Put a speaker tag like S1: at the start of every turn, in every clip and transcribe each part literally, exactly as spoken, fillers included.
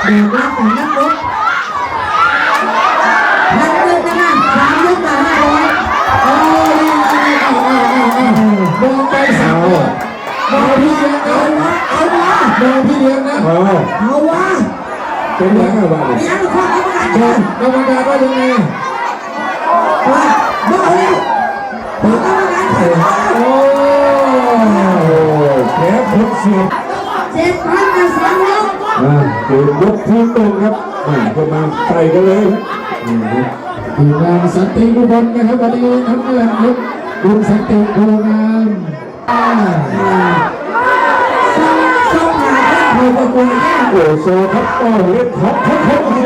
S1: เดี๋ยวรับแต่นักรบนักรบนะนะสามยกมาห้าร้อยโอ้ยมองไปสาวมองพี่เลี้ยงเอาวะเอาวะมองพี่เลี้ยงนะเอาวะ
S2: เป็นยังไงบ้าง
S1: เลี้ยงข้อกรรมการ
S2: กรรมการว่ายังไง
S1: ว่าบอกเลยกรรมการเขียน
S2: โอ้แพ้ผลเสียบ
S1: เจ็ดพันกับสามยก
S2: อ่าเดี๋ยวยกทีตรงครับก็มาใส่กันเลยทีมงานสันติบุบลนะครับวันนี้ทั้งเรื่องลุกลุงสันติโคงาม
S1: อ่าส่งส่งหาท่านผู้ประกวดเนี่ย
S2: โอ้โซครับโอ้เล็กท็อปท็อปท็อปโอ้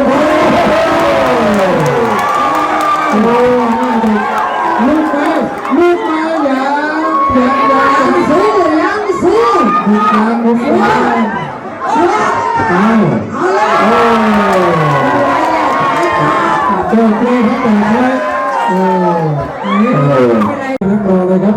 S2: โหลูกมาลูกมาอย่าอย่าอย่า
S1: ยังสู้ยังสู้
S2: ลูกมาลูกมาเอา
S1: เอาเลย
S2: โอ้เจ้าเจ้าทั้งหมดเลยโอ้นี่นักรอเลยครับ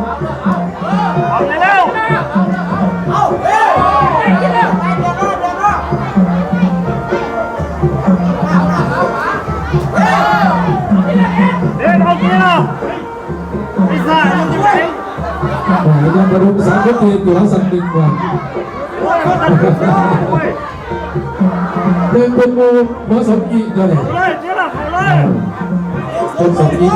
S2: ยังกระดุมสามคนเดียวตัวสันติกว่าเดินเป็นมูหัวสมกีเลยเป็นสมกี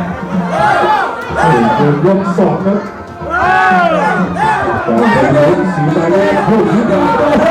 S2: เดินยกสองครับสีตาแดงผู้หญิงดาว